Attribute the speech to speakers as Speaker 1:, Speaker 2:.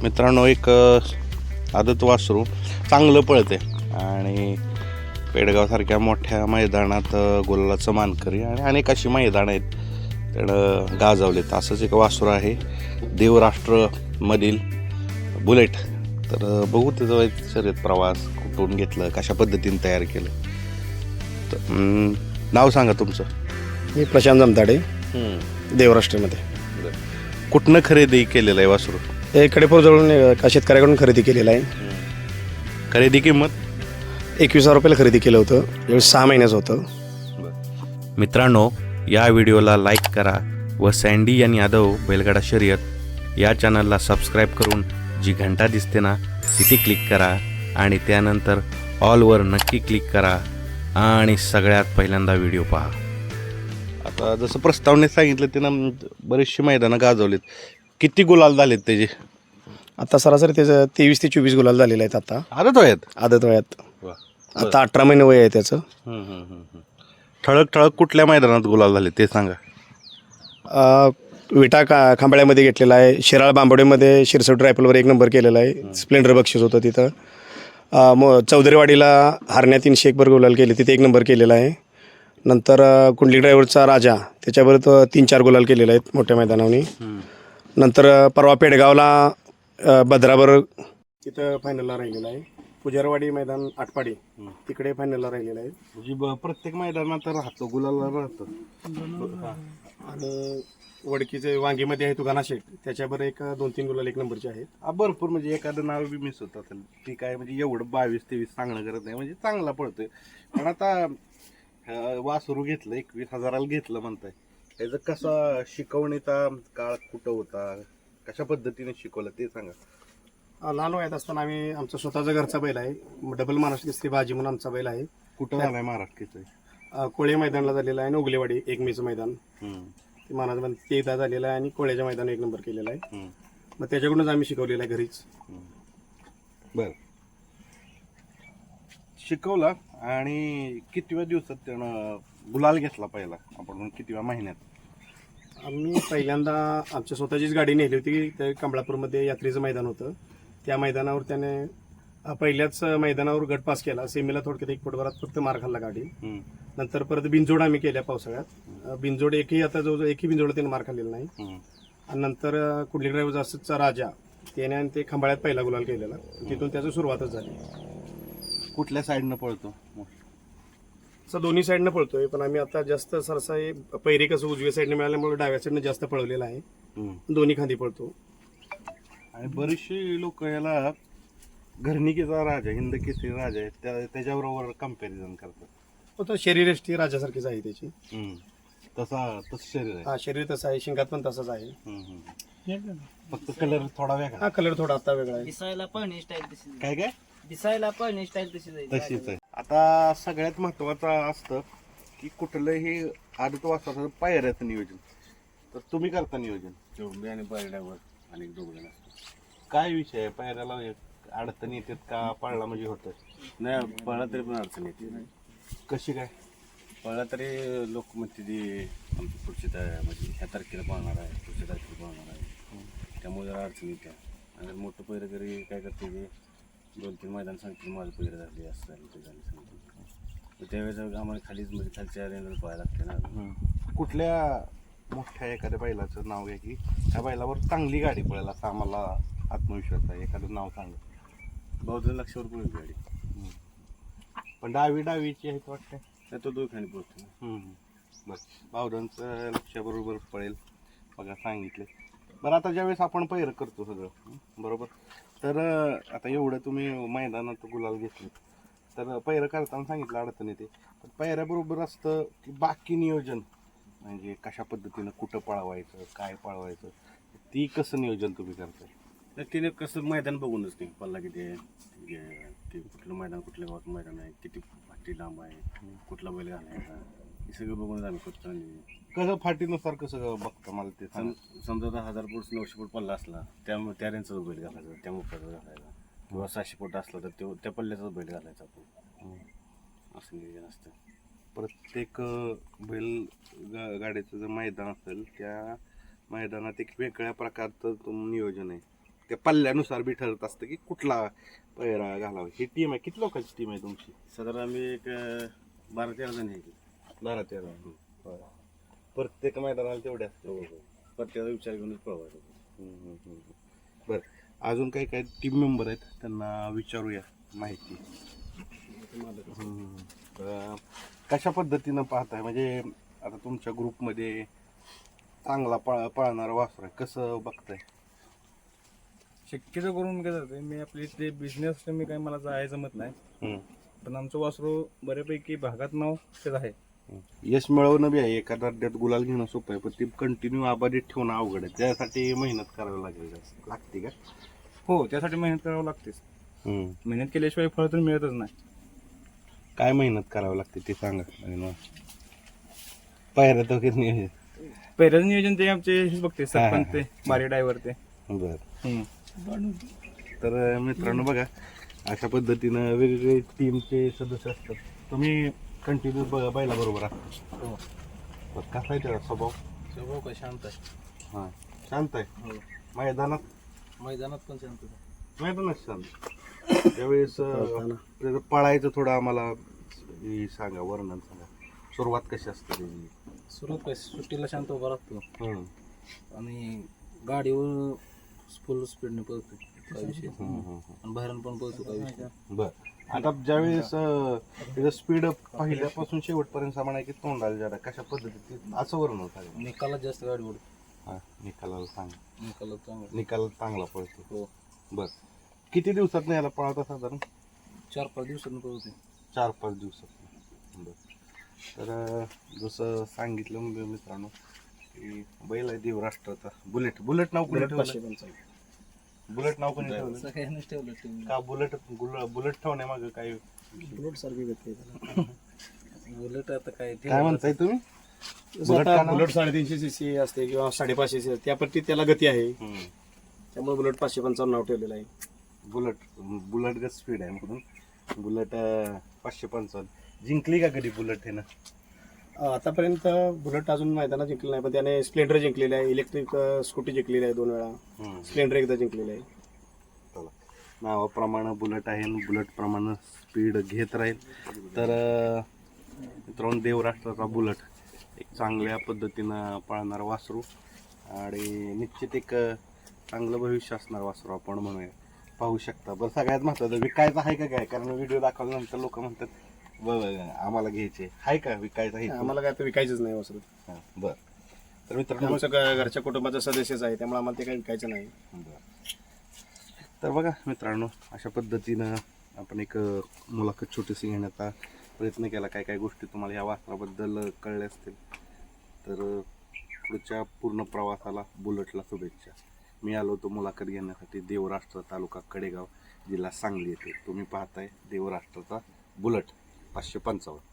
Speaker 1: मित्रांनो, एक आदत वासरू चांगलं पळते आणि पेडगावसारख्या मोठ्या मैदानात गुलालाचं मानकरी आणि अनेक अशी मैदानं आहेत त्यानं गाजवलेत. असंच एक वासरू आहे देवराष्ट्रमधील बुलेट. तर बघू त्याचा शर्यत प्रवास कुठून घेतलं, कशा पद्धतीने तयार केलं. तर नाव सांगा तुमचं.
Speaker 2: मी प्रशांत जमताडे, देवराष्ट्रमध्ये.
Speaker 1: कुठनं खरेदी केलेलं आहे वासरू?
Speaker 2: हे कडेपूरजवळून एका शेतकऱ्याकडून खरेदी केलेलं आहे.
Speaker 1: खरेदी किंमत
Speaker 2: 21,000 रुपयाला खरेदी केलं होतं. यावेळी 6 महिन्याचं होतं.
Speaker 1: मित्रांनो, या व्हिडिओला लाईक करा व सँडी आणि यादव बैलगाडा शर्यत या चॅनलला सबस्क्राईब करून जी घंटा दिसते ना तिथे क्लिक करा आणि त्यानंतर ऑलवर नक्की क्लिक करा आणि सगळ्यात पहिल्यांदा व्हिडिओ पहा. आता जसं प्रस्तावनेत सांगितलं त्यानं बरेचशी मैदानं गाजवलीत. किती गुलाल झालेत त्याचे?
Speaker 2: आता सरासरी त्याचं 23 ते 24 गुलाल झालेले आहेत. आता
Speaker 1: आदत वयात
Speaker 2: आदत वयात आता 18 महिने वय आहे त्याचं.
Speaker 1: ठळक ठळक कुठल्या मैदानात गुलाल झाले ते सांगा.
Speaker 2: विटा खांबाळ्यामध्ये घेतलेला आहे. शिराळ बांबवडेमध्ये शिरसट रायफलवर 1 नंबर केलेला आहे. स्प्लेंडर बक्षीस होतं तिथं. चौधरीवाडीला हरण्या 300 एक गुलाल केले, तिथे 1 नंबर केलेला आहे. नंतर कुंडली ड्रायव्हरचा राजा त्याच्याबरोबर 3-4 गुलाल केलेले आहेत मोठ्या मैदानावनी. नंतर परवा पेडगावला भद्राबर तिथं फायनलला राहिलेला आहे. पुजारवाडी मैदान आटपाडी तिकडे फायनलला राहिलेला आहे.
Speaker 1: म्हणजे प्रत्येक मैदानात राहतो गुलाला राहतो.
Speaker 2: आणि वडकीचे वांगीमध्ये आहे तुगाना शेठ, त्याच्याबरोबर 1-2-3 गुलाल 1 नंबरचे आहेत.
Speaker 1: भरपूर म्हणजे एखादं नाव बी मिस होत असेल. ती काय म्हणजे एवढं 22-23 सांगणं करत नाही, म्हणजे चांगला पडतोय. पण आता वासरू घेतलं 21,000ला घेतलं म्हणताय, त्याचं कसा शिकवणीचा काळ कुठं होता, कशा पद्धतीने शिकवलं ते सांगा.
Speaker 2: लहान वयात असताना आम्ही आमचा स्वतःचा घरचा बैल आहे. डबल महाराष्ट्र केसरी बाजी म्हणून आमचा बैल आहे.
Speaker 1: कुठं झालाय महाराष्ट्राचं?
Speaker 2: कोळे मैदानला झालेला आहे. नोगलेवाडी 1 मेचं मैदान ते महाराज ते एकदा झालेलं आहे आणि कोळ्याच्या मैदान 1 नंबर केलेला आहे. मग त्याच्याकडूनच आम्ही शिकवलेलं आहे घरीच.
Speaker 1: बर, शिकवला. आणि कितव्या दिवसात त्यानं गुलाल घेतला पहिला, आपण कितव्या महिन्यात?
Speaker 2: आम्ही पहिल्यांदा आमच्या स्वतःचीच गाडी नेली होती. ते कमळापूरमध्ये यात्रेचं मैदान होतं. त्या मैदानावर त्याने पहिल्याच मैदानावर गट पास केला. सेमीला थोडक्यात 1 फुटभरात फक्त मार खाल्ला गाडी. नंतर परत बिनजोड आम्ही केल्या पावसाळ्यात. बिनजोड आता जवळजवळ एकही बिनजोड त्याने मार खाल्लेला नाही. आणि नंतर कुंडली ड्रायव्हर जास्तचा राजा त्याने आणि ते खंबाळ्यात पहिला गुलाल केलेला. तिथून त्याची सुरुवातच झाली.
Speaker 1: कुठल्या साईडनं पळतो?
Speaker 2: दोन्ही साईडनं पळतोय, पण आम्ही आता जास्त सरसा पहिरे कसं उजव्या साईडने मिळाल्यामुळे डाव्या साईडनं जास्त पळवलेला आहे. दोन्ही खांदी पळतो.
Speaker 1: आणि बरेचसे लोक याला घरणिकेचा राजा, हिंद केसरी राजा आहे त्याच्याबरोबर कम्पॅरिझन करतात.
Speaker 2: तो शरीरयष्टी राजासारखीच आहे त्याची.
Speaker 1: तसं शरीर आहे.
Speaker 2: हा, शरीर तसं आहे. शिंगात पण तसंच आहे.
Speaker 1: फक्त कलर थोडा वेगळा.
Speaker 2: हा, कलर थोडा आता वेगळा आहे.
Speaker 3: दिसायला पण स्टाईल तशी
Speaker 1: काय काय
Speaker 3: दिसायला पण स्टाईल
Speaker 1: तशीच आहे. आता सगळ्यात महत्वाचं असतं की कुठलंही आदत वासराचं पायऱ्याचं नियोजन. तर तुम्ही करता नियोजन?
Speaker 4: चोंबी आणि पायऱ्यावर आणि 2 जण असतात.
Speaker 1: काय विषय आहे? पायऱ्याला अडचणी येतात का? पळला म्हणजे होतं?
Speaker 4: नाही, पळला तरी पण अडचण येते.
Speaker 1: कशी काय?
Speaker 4: पळला तरी लोक म्हणते ती आमची पुढच्या म्हणजे ह्या तारखेला पळणार आहे, पुढच्या तारखेला पळणार आहे, त्यामुळे जरा अडचण येते. आणि मोठं पैर तरी काय करते ते 2-3 मैदान सांगते माझं पैर झाले, असं झालं ते झाले सांगते. त्यावेळेस आम्हाला खालीच म्हणजे खालच्या रेंजला पळायला लागते ना.
Speaker 1: कुठल्या मोठ्या एखाद्या बैलाचं नाव घ्या की त्या बैलावर चांगली गाडी पळेल असा आम्हाला आत्मविश्वास आहे. एखादं नाव सांगा.
Speaker 4: बहुजन लक्षावर पळेल गाडी.
Speaker 1: पण डावीची आहे वाटतं.
Speaker 4: नाही, तो 2 खाली पळतो.
Speaker 1: बस, बावधनचं लक्षाबरोबर पळेल बघा सांगितले. बरं, आता ज्यावेळेस आपण पैर करतो सगळं बरोबर, तर आता एवढं तुम्ही मैदानात गुलाल घेतले, तर पैर करताना सांगितलं अडचण येते. पण पैऱ्याबरोबर असतं की बाकी नियोजन, म्हणजे कशा पद्धतीनं कुठं पळवायचं, काय पळवायचं, ती कसं नियोजन तुम्ही करताय?
Speaker 4: तर तिने कसं मैदान बघूनच नाही पल्ला किती आहे, ते कुठलं मैदान, कुठल्या गावात मैदान आहे, किती फाटी लांब आहे, कुठला बैल घालायचा, हे सगळं बघूनच आम्ही करतो. आणि
Speaker 1: कसं फाटीनुसार कसं बघतं मला ते
Speaker 4: समजा 1000 फूट 900 फूट पल्ला असला त्यामुळे त्या रेंजचाच बैल घालायचा, त्या मोठ्याचा घालायचा. किंवा 600 फूट असला तर त्या पल्ल्याचाच बैल घालायचा आपण. असं नियोजन असतं.
Speaker 1: प्रत्येक बैल गाडीचं जर मैदान असेल त्या मैदानात एक वेगळ्या प्रकारचं नियोजन आहे. त्या पल्ल्यानुसार बी ठरत असतं की कुठला पैरा घालावा. ही टीम आहे, किती लोकांची टीम आहे तुमची?
Speaker 4: साधारण आम्ही एक 12-13 जण आहे की.
Speaker 1: 12-13. प्रत्येक मैदानाला तेवढ्या असतं.
Speaker 4: प्रत्येकाचा विचार घेऊनच पळवायचं.
Speaker 1: बरं, अजून काही काही टीम मेंबर आहेत त्यांना विचारूया माहिती. कशा पद्धतीनं पाहताय, म्हणजे आता तुमच्या ग्रुपमध्ये चांगला पळणारा वासर आहे, कसं बघताय?
Speaker 5: शक्यतो करून काय जाते, मी आपली ते बिझनेस मी काही मला जायचं जमत नाही, पण आमचं वासरू बऱ्यापैकी भागात नाव तेच आहे.
Speaker 1: यश मिळवणं बी आहे, एका अड्ड्यात गुलाल घेणं सोपं आहे, पण ती कंटिन्यू आबादीत ठेवणं अवघड आहे. त्यासाठी मेहनत करावी लागते का?
Speaker 5: हो, त्यासाठी मेहनत करावं लागतेच. मेहनत केल्याशिवाय फळ तर मिळतच नाही.
Speaker 1: काय मेहनत करावी लागते ते सांगा. आणि मग पायऱ्या तर किती नियोजन?
Speaker 5: पहिल्याच नियोजन ते आमचे हेच बघते, सरपंच ते बारी ड्रायव्हर ते.
Speaker 1: बरं, तर मित्रांनो बघा, अशा पद्धतीनं वेगवेगळे टीमचे सदस्य असतात. तुम्ही कंटिन्यू बैला बरोबर असता. बरं, कसा आहे त्याचा स्वभाव?
Speaker 3: स्वभाव काय शांत आहे.
Speaker 1: हां, शांत आहे. मैदानात
Speaker 3: मैदानात पण शांत आहे.
Speaker 1: मैदानात शांत. त्यावेळेस त्याचं पळायचं थोडं आम्हाला हे सांगा, वर्णन सांगा. सुरुवात कशी असते त्याची?
Speaker 3: सुरुवात काय, सुट्टीला शांत उभा राहतो
Speaker 1: हम्म.
Speaker 3: आणि गाडीवर फुल स्पीडने पळतो, काय विषय आणि बाहेरून पण पळतो, काय विषय.
Speaker 1: बर, आता ज्यावेळेस त्याचं स्पीड पहिल्यापासून शेवटपर्यंत सामान आहे की तोंडाला जरा कशा पद्धतीत असं वर्णन सांगा.
Speaker 3: निकालात जास्त गाडी ओढतो.
Speaker 1: हा, निकालाला सांगा.
Speaker 3: निकालात चांगला
Speaker 1: निकाल चांगला पळतो.
Speaker 3: हो.
Speaker 1: बर, किती दिवसात याला पळवता साधारण?
Speaker 3: 4-5 दिवसांनी पळतो.
Speaker 1: 4-5 दिवसात. बर, तर जसं सांगितलं मित्रांनो की बैल आहे देवराष्ट्राचा बुलेट. बुलेट नाव कोणी ठेवलं? बुलेट नाव कोणी ठेवलं?
Speaker 3: सगळ्यांनीच ठेवलं टीम.
Speaker 1: का बुलेट बुलेट ठेवण्यामागं काय
Speaker 2: बुलेट सारखी गती आहे
Speaker 3: बुलेट आता काय
Speaker 1: काय म्हणताय तुम्ही?
Speaker 2: बुलेट का बुलेट 350 सीसी असते किंवा 550 सीसी, त्या पट्टी त्याला गती आहे,
Speaker 1: हम्म.
Speaker 2: त्यामुळे बुलेट 555 नाव ठेवलेलं आहे.
Speaker 1: बुलेट गत स्पीड आहे म्हणून बुलेट 555. जिंकली का कधी बुलेट हे ना?
Speaker 2: आतापर्यंत बुलेट अजून मैदानात जिंकलं नाही, पण त्याने स्प्लेंडर जिंकलेलं आहे, इलेक्ट्रिक स्कूटी जिंकलेली आहे 2 वेळा, स्प्लेंडर एकदा जिंकलेलं आहे.
Speaker 1: चला, नावाप्रमाणे बुलेट आहे आणि बुलेट प्रमाणे स्पीड घेत राहील. तर मित्रांनो, देवराष्ट्राचा बुलेट एक चांगल्या पद्धतीनं पळणारा वासरू आणि निश्चित एक चांगलं भविष्य असणार वासरू आपण म्हणूया. पाहू शकता. बरं, सगळ्यात महत्त्वाचं विकायचं आहे का काय? कारण व्हिडिओ दाखवल्यानंतर लोक म्हणतात आम्हाला घ्यायचे आहे का, विकायचं आहे?
Speaker 2: आम्हाला काय तर विकायचंच नाही वासरू.
Speaker 1: हां, बरं. तर मित्रांनो,
Speaker 2: आमचं घरच्या कुटुंबाचा सदस्यच आहे, त्यामुळे आम्हाला ते काही विकायचं नाही.
Speaker 1: तर बघा मित्रांनो, अशा पद्धतीनं आपण एक मुलाखत छोटीशी घेण्याचा प्रयत्न केला. काय काय गोष्टी तुम्हाला या वासराबद्दल कळल्या असतील. तर पुढच्या पूर्ण प्रवासाला बुलेटला शुभेच्छा. मी आलो होतो मुलाखत घेण्यासाठी देवराष्ट्र, तालुका कडेगाव, जिल्हा सांगली येथे. तुम्ही पाहताय देवराष्ट्राचा बुलेट 555.